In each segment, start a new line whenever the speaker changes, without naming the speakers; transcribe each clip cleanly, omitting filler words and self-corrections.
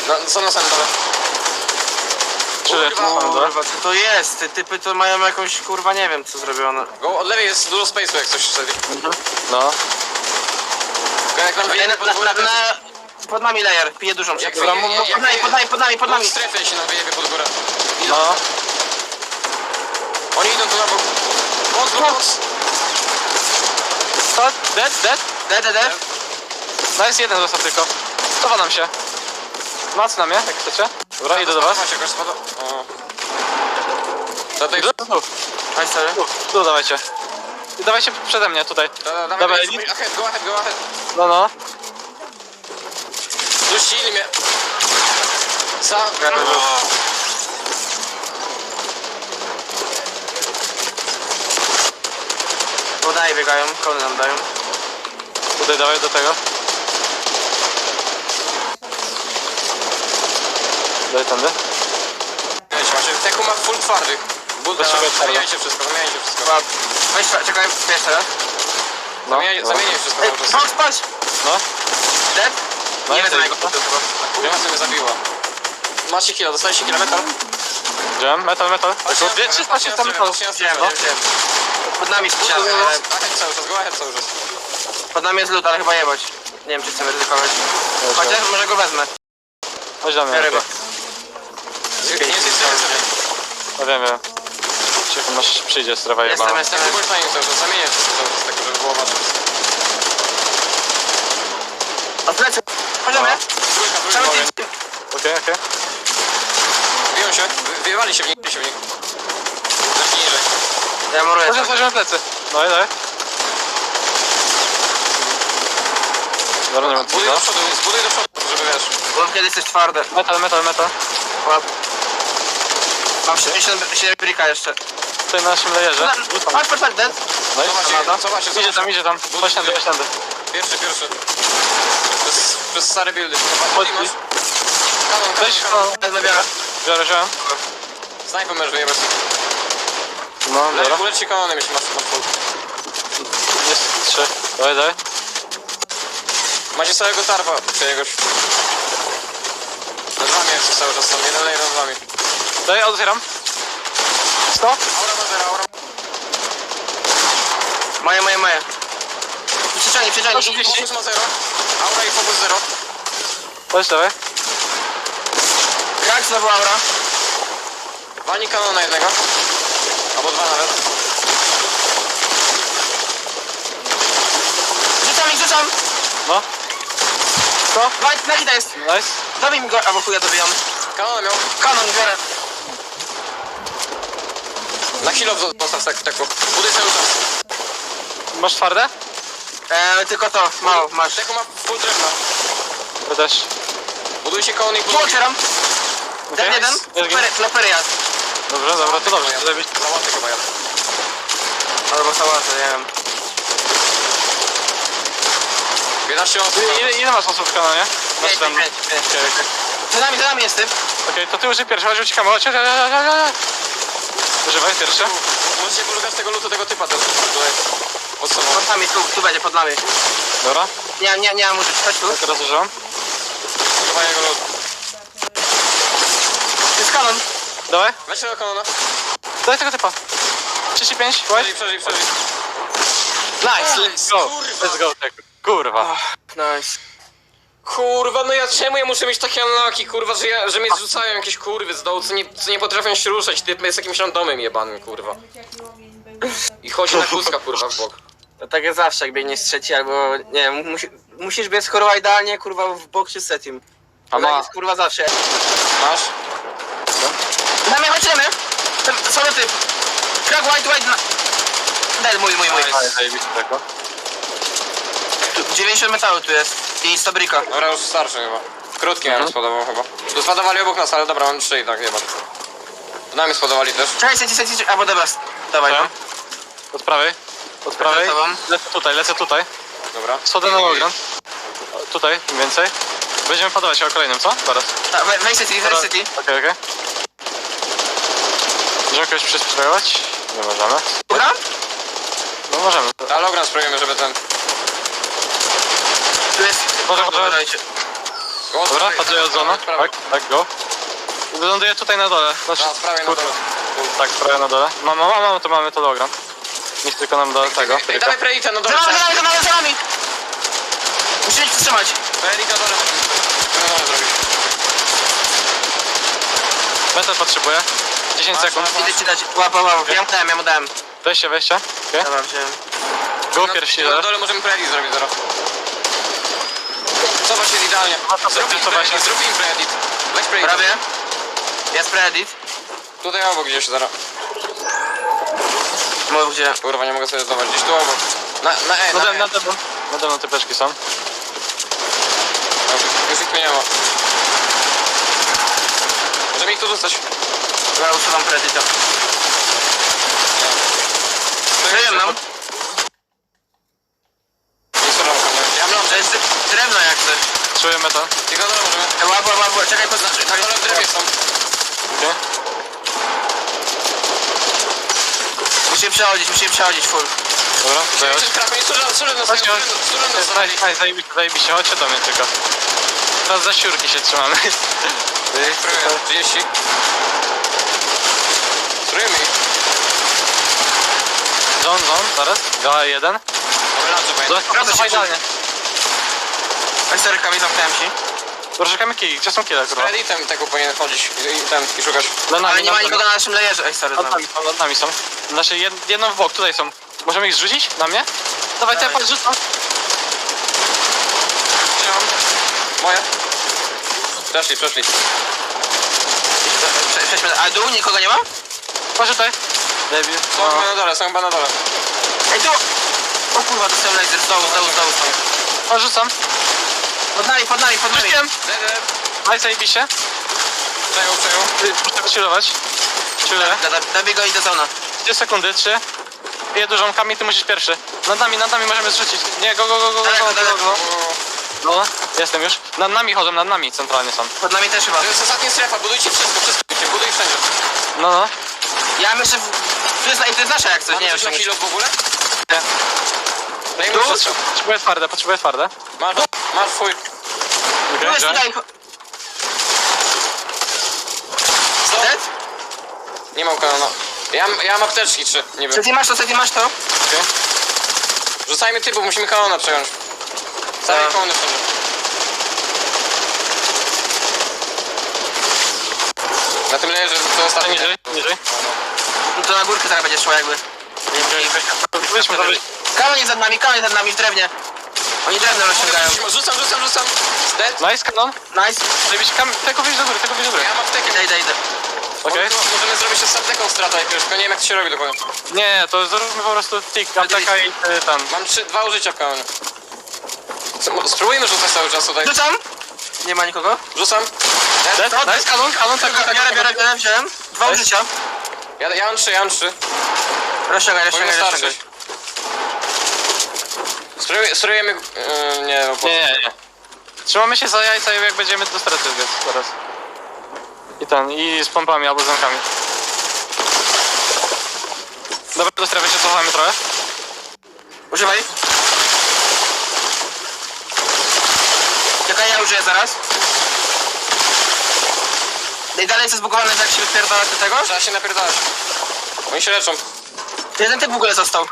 No, co na samym dole?
Kurwa, co to jest? Te typy to mają jakąś, kurwa, nie wiem co zrobione.
Go, od lewej jest dużo space'u jak coś wtedy.
No.
Jak nam wyjdzie
Pod nami layer, pije dużą
Jak
przegórę. Pod nami.
strefę się nam wyjebie pod górę.
No.
Oni idą tu na bok. Box.
To, dead.
DDD.
No jest jeden został tylko. Cofa nam się. Mac na mnie, jak chcecie. Dobra, idę do was.
Macie jakoś spada. O. Tutaj.
Chodź sobie.
Tu dawajcie. I dawajcie przede mnie tutaj. Dawaj, Edith.
Go ahead.
No.
Dusili mnie.
Podaje biegają, kony nam dają.
Tutaj dawaj do tego. Daj tędy.
Teku ma full twardy. Zamieniajcie wszystko.
Weź, czekaj, jeszcze raz.
No.
Zamieniaj wszystko.
Ej, patrz!
No.
Dead?
No
Nie
i
wiem,
co
jego
to?
Kurwa, co mnie zabiła. Macie kilo, dostaliście kilometr?
Wziąłem, metal. 300 metalów.
Wiem. Pod nami jest ściana, ale...
Go ahead cały czas.
Pod nami jest lód, ale chyba jebać. Nie wiem, czy chcemy ryzykować. Chociaż może go wezmę.
Chodź do mnie.
Biorę go.
Nie jest sobie.
No wiem. Cicho, masz przyjdzie strefa jebana.
Jestem.
Bądź na nim cały czas, zamieniaj wszystko cały czas, tak żeby było wasze.
O plecy! Chodźmy! Cały
Trójka.
team.
Okej.
Biją się, wyjewali się w nich. Zacznij niżej.
Ja muruję.
Chodźmy plecy. No i daj. Dobra, nie ma
Zbuduj do przodu, żeby wiesz.
Bo kiedy jesteś twarde.
Metal.
Łap. Mam 77 brika jeszcze.
Tutaj na naszym layerze.
Patrz, dead.
No i
Zobaczcie.
idzie tam. Chodź tędy.
Pierwszy. Przez stare buildy.
Chodź. Weź,
Wezmę, biorę.
biorę.
Snajper możesz wyjebać.
No, dobra.
Uleci kanonem, jeśli masz full.
Jest 3. Daj.
Macie całego tarpa czyjegoś. Nad wami jest cały czas, tam jeden layer nad wami.
Daj, otwieram. 100?
Aura ma zero, aura.
Moje. Przyczani.
Focus ma zero. Aura i focus zero.
Chodź, dawaj.
Krak znowu aura.
Walnij kanona jednego. Albo dwa nawet.
Rzucam.
No. 100?
Na gita jest.
Nice.
Dobij mi go, albo chuja dobijam.
Kanona miał.
Kanon, biorę.
Na chwilę zostaw taku. Buduj cały czas.
Masz twarde?
Tylko to, mało, masz.
Teku ma full drewna.
Ja też.
Budujcie konon i
Tu otwieram.
Okej.
Ten jeden. Flopery jadł.
Dobrze, to dobrze. Lepiej.
Załaty chyba jadę.
Albo sałatę, nie wiem.
11 osób.
Ile masz osób w kanonie? Masz
5.
tam.
Za nami jest typ.
Okej, to ty użyj pierwszy, chodź uciekamy. Używaj pierwszy.
Możecie poszukać tego lutu, tego typa też. Tutaj. Pod sobą.
Pod nami, tu będzie, pod nami.
Dobra,
Nie mam użyć, chodź tu.
teraz używam.
Chyba jego lut.
To jest kanon.
Dawaj,
Weź tego kanona.
daj tego typa. 35, white.
Przeżyj.
Nice, let's go. Let's go, tak. Kurwa.
Nice.
Kurwa, no czemu ja muszę mieć takie unlucky, kurwa, że mnie zrzucają jakieś kurwy z dołu, co nie potrafią się ruszać, typ jest jakimś randomem jebanym, kurwa. I chodzi na kózka, kurwa, w bok.
To tak jest zawsze, jak biegniesz trzeci, albo nie wiem, musisz biec kurwa idealnie, kurwa w bok czy setim.
A
Tak
ma-
jest kurwa zawsze.
Masz?
Na mnie chodźmy! Solo typ! Krak white na... Dead, mój.
Ale zajebiście tego.
90 metalu tu jest i 100 brika.
Dobra, już starszy chyba. Krótki nam spodobał chyba. Tu spadowali obok nas, ale dobra, mam 3 i tak, jeba. Tu nami spodowali też.
Czekaj, seci, albo dobra, dawaj no.
Od prawej.
Za tobą.
Lecę tutaj.
Dobra.
Schodzę na ogon. Tutaj, im więcej. Będziemy podawać o kolejnym, co? Zaraz.
Weź city.
Okej. Możemy jakoś przysprawować? Nie możemy.
Dobra?
No możemy.
Ale ogran spróbujemy, żeby ten...
Tu jest...
Może.
Dajcie.
Go,
Dobra,
prawej,
patrzę od zona.
prawej.
Tak, go. Ląduję tutaj na dole. Znaczy,
A, z prawej na
kurde.
dole.
Tak, prawie na dole. Mam, to mamy to dogram. Niech tylko nam do tego.
Ej, dawaj Predita na dole.
Za nami! Musimy się wstrzymać.
Predit na dole. Na dole zrobić.
Metal potrzebuję. 10 sekund.
Idę ci dać. Łap. Ja mu dałem.
Wejście. Okay.
Dobra, wziąłem.
Go pierwszy.
Na dole możemy Predit zrobić zaraz. Zobacz, jest idealnie. Zrób im Predit. Weź Predit.
Prawie. Jest predit.
Tutaj obok gdzieś zaraz.
Mów gdzie.
Kurwa, nie mogę sobie zdawać. Gdzieś tu obok. Na E, na E.
Nade mną typeczki są.
Już ich nie ma. Możemy ich tu dostać.
Ja usuwam predita. Kryjem nam.
Nie są ramka, nie? Ja mam
To jest drewno jak coś.
Czuję metal.
Tylko na dole możemy.
Łap. Czekaj, poznaczy.
Na dole w drewnie są.
Okay.
Musimy przechodzić full.
Dobra, zająć.
Jeszcze krapy, nie służę na
Chodźcie,
sobie.
nice, zajebiście, chodźcie do mnie tylko. Teraz za siurki się trzymamy.
Spróbuję, 30. Spróbujmy ich.
Zon, zaraz. Gala 1.
Dobra,
Wraca się
idealnie.
Esterkami zamknąłem ci.
Proszę kamyki, gdzie są kile,
z
kurwa?
Preditem tego powinien chodzić i szukać.
Ale nie ma nikogo na naszym layerze. Ej, sorry.
Nad nami są. Znaczy jedno w bok, tutaj są. Możemy ich zrzucić? Na mnie? Dawaj,
Dawaj.
te rzucam.
Trzymam. Moje. Przeszli.
Przejdźmy. A dół nikogo nie ma?
Patrz tutaj. Debil.
Są chyba na dole.
Ej, tu! O kurwa, dostałem laser. Z dołu są.
O, rzucam.
Pod nami.
Rzuciłem.
Dead.
Daj, zajebiście.
Przejął.
Muszę wychillować. Chilluję.
Dobij go i do zona.
3 sekundy, 3. Je dużą kamień, ty musisz pierwszy. Nad nami możemy zrzucić. Nie, go.
Daleko.
No, jestem już. Nad nami centralnie są.
Pod nami też chyba.
To jest ostatnia strefa, budujcie wszystko, buduj wszędzie.
No.
Ja myślę... To jest nasza jak coś,
Mamy
nie
coś na
wiem.
kilo w ogóle?
Nie.
Dajmy
Tu?
wszystko.
Potrzebuję twarde.
Masz twój.
Tu jest
Okay,
tutaj.
Co?
Dead?
Nie mam kanona. Ja mam apteczki 3, nie wiem.
Seti masz to?
Rzucajmy typów, musimy kanona przejąć. Całe
Tak.
kanony wszędzie. Na tym layerze to ostatni.
Niżej.
No to na górkę zaraz będzie szło jakby.
Weźmy.
Kanon jest nad nami w drewnie. Oni drewno rozciągają.
Rzucam. Dead.
Nice, kanon.
Nice.
Zajebiście, tego wyjść do góry.
Ja mam aptekę.
Idę.
Okej.
Możemy zrobić ostatnią stratę jakiegoś, tylko nie wiem jak to się robi dokładnie.
Nie, to zróbmy po prostu tick, apteka i tam.
Mam 2 użycia w kanonie. Spróbujmy rzucać cały czas tutaj.
Rzucam. Nie ma nikogo.
Rzucam.
Nice, kanon, tak.
Biorę, wziąłem. 2 użycia.
Ja mam 3.
Rozciągaj.
Powinno starczyć. Spróbujemy... nie, no po...
Nie. Trzymamy się za jajca, jak będziemy do strefy biec teraz. I z pompami albo zamkami. Dobra, do strefy się cofamy trochę.
Używaj. Czekaj, ja użyję zaraz. I dalej jest zbugowane, jak się wypierdala do tego.
Trzeba się napierdalać. Oni się leczą.
Jeden typ w ogóle został.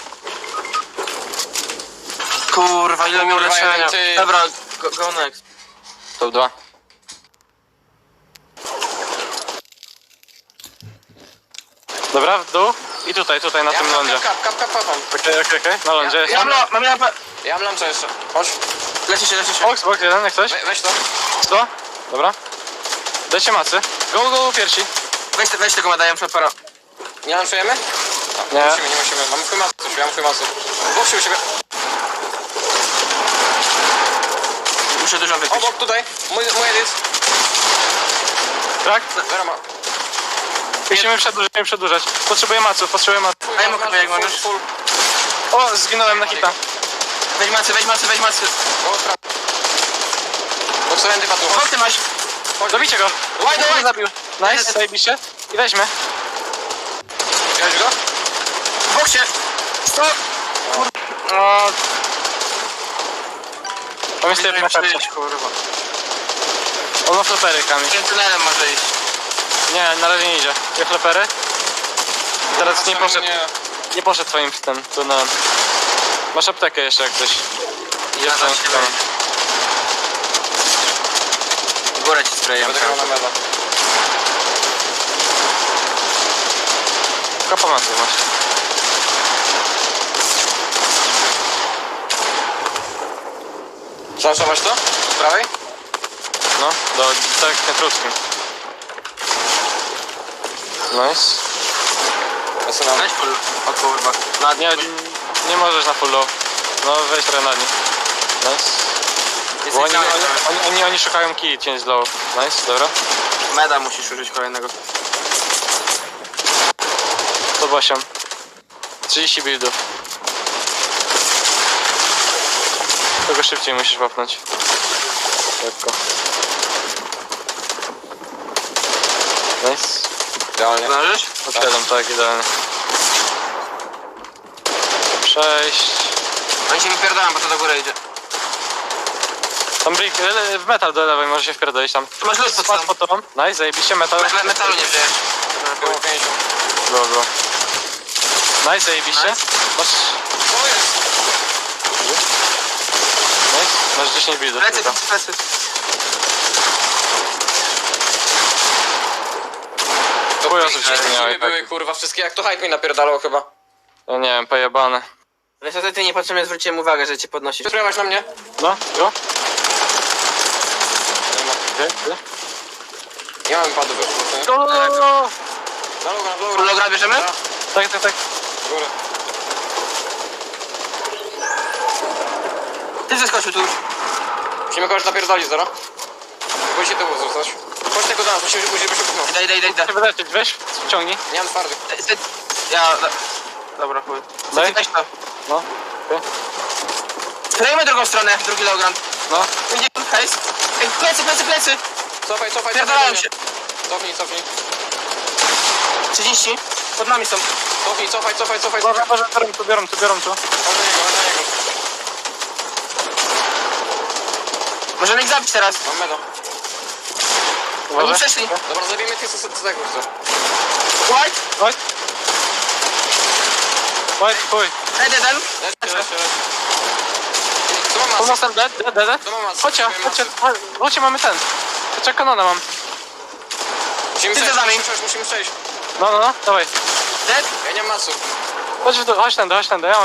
Kurwa, ile miał
Kurwa,
leczenia.
jeden typ.
Dobra, go next.
To 2. Dobra, w dół. I tutaj na tym lądzie.
Kap.
Okej. Na lądzie.
Mam lampę.
Ja mam luncha jeszcze. Chodź.
Leci się.
Box jeden, jak coś.
Weź to.
100. Dobra. Dajcie macy. Go, piersi.
Weź tego madaję, przepara.
Nie lunchujemy?
Nie.
Nie musimy. Mamy chuj masy, ja mam chuj masy. Boksie u siebie.
Muszę dużo wypić.
Obok tutaj. Mój edit.
Tak?
Zero ma.
Musimy przedłużać. Potrzebuję maców.
Daj mu chyba, jak możesz.
Full.
O, zginąłem na hita.
Weź macy.
Go sprawdź. Boksowałem dypa tu.
Chodź, ty masz.
Dobicie go.
Wide.
Zabił. Nice, zajebiście. I weźmy.
Wziąłeś go?
W boksie. 100.
No. Mam jeszcze
Musimy
jedną kartę.
przyjść, kurwa.
On ma flepery, Kamil.
Tym tunelem może iść.
Nie, na razie nie idzie. Dwie flepery. I teraz nie poszedł,
Nie.
nie poszedł twoim tym tunelem. Masz aptekę jeszcze jak coś. Idzie
Ja
w twoją
też
stronę.
W górę ci sprayem.
Będę grał na meda.
Tylko pomocy masz.
Szansować to? Z prawej?
No, tak na krótkim. Nice.
Zasunam.
Weź full. O kurwa.
Nie, nie możesz na full low. No weź trochę na nich. Nice. Bo
Jesteś
oni szukają key, cień z low. Nice, dobra.
Meda musisz użyć kolejnego.
108. 30 buildów. Tego szybciej musisz wapnąć. Lekko. Nice.
Idealnie.
Zdążysz?
Odsiadam, tak, idealnie. 6.
Oni się wypierdalają, bo to do góry idzie.
Tam brick, w metal do lewej możesz się wpierdolić tam.
Tu masz lód pod
Spadł
sobą.
po tobą. Nice, zajebiście metal.
Metalu nie wziąłeś.
Było 50.
Było. Nice, zajebiście.
Nice.
Masz...
To jest!
Nice, masz 10 buildów.
Plecy,
tylko.
plecy.
To
Chuj,
pięknie
osób się nie miały,
były
tak.
kurwa, wszystkie jak to hype mi napierdalał chyba.
Ja nie wiem, pojebane.
Wiesz, a ty niepotrzebnie zwróciłem uwagę, że cię podnosisz.
Spróbować na mnie?
No, jo.
Nie ma.
Gdzie?
Nie mam padów już.
Go!
Na loga, na
Full
loga.
logra bierzemy?
Tak, tak, tak.
Górę.
Ty zeskoczył tu już.
Musimy kogoś napierdolić, zero? Bój się tyłu zostać. Chodź tego do nas, musimy się pchnąć.
Idę.
Chcę wyleczyć, weź, wciągnij.
Nie mam twardych.
Ja... Dobra, chuj.
Daj.
Weź to.
No, okej.
Sprayujmy drugą stronę, drugi logran.
No,
Będzie hejs. Ej, plecy!
Cofaj.
Pierdolałem się.
Cofnij.
30. Pod nami są.
Cofaj.
Boże, biorą tu.
Chodź do niego.
Możemy ich zabić teraz.
Mam meda.
Oni
Uważaj.
przeszli.
Dobra, zabijmy tych co tego chcę.
White.
Chodź. Chodź, chuj.
Head jeden.
Leć. Co mam masy?
Pomocem dead.
To mam masy.
Chodźcie, mamy ten. Chodźcie, kanona mam.
Musimy
Ty za nami.
przejść.
No, dawaj.
Dead.
Ja nie mam masu.
Chodź tędy, ja.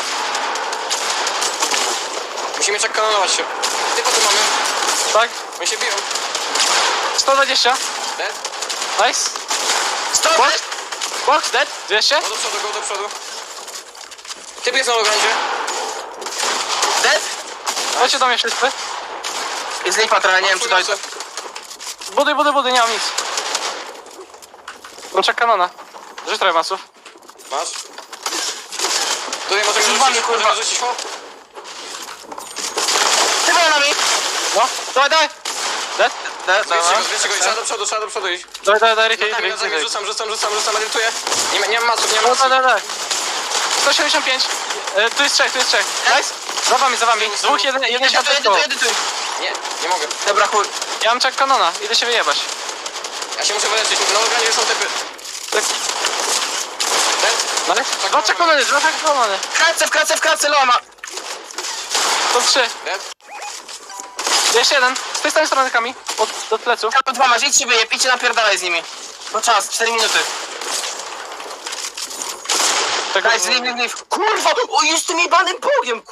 Musimy czek kanonować się. Ty po tu mamy.
Tak?
Oni się biją.
120.
Dead?
Nice.
Stop.
Box dead. 200.
Go do przodu. Typ jest na lograndzie.
Dead.
Chodźcie do mnie wszyscy.
Jest lipa trochę, nie wiem czy dojdzie.
Buduj, nie mam nic. Czek kanona. Rzuć trochę masów.
Masz? Tutaj możemy
Zrywamy,
rzucić,
kurwa.
o.
Ty za nami.
No, dawaj. Dead.
Dead.
Zwiększcie go, trzeba do przodu iść.
Dawaj,
Na zamian rzucam, edytuję. Nie mam masów, nie mam
No,
masów.
dawaj. 175. Tu jest trzech. Nice. Za wami. Dwóch, jeden się atakował.
Edytuj.
Nie mogę.
Dobra, chuj.
Ja mam czek kanona. Idę się wyjebać.
Ja się muszę wyleczyć, na lograndzie są typy.
Tak.
Dead?
Nice. Dwa czek kanony.
W kratce Loma.
To 3.
Dead?
Jeszcze jeden. Z tej samej strony Kami. Od pleców.
To dwa masz, idź się wyjeb, idźcie napierdalaj z nimi. Bo czas, 4 minuty.
Tego...
Guys, leave. Kurwa, o, już tym jebanym bogiem,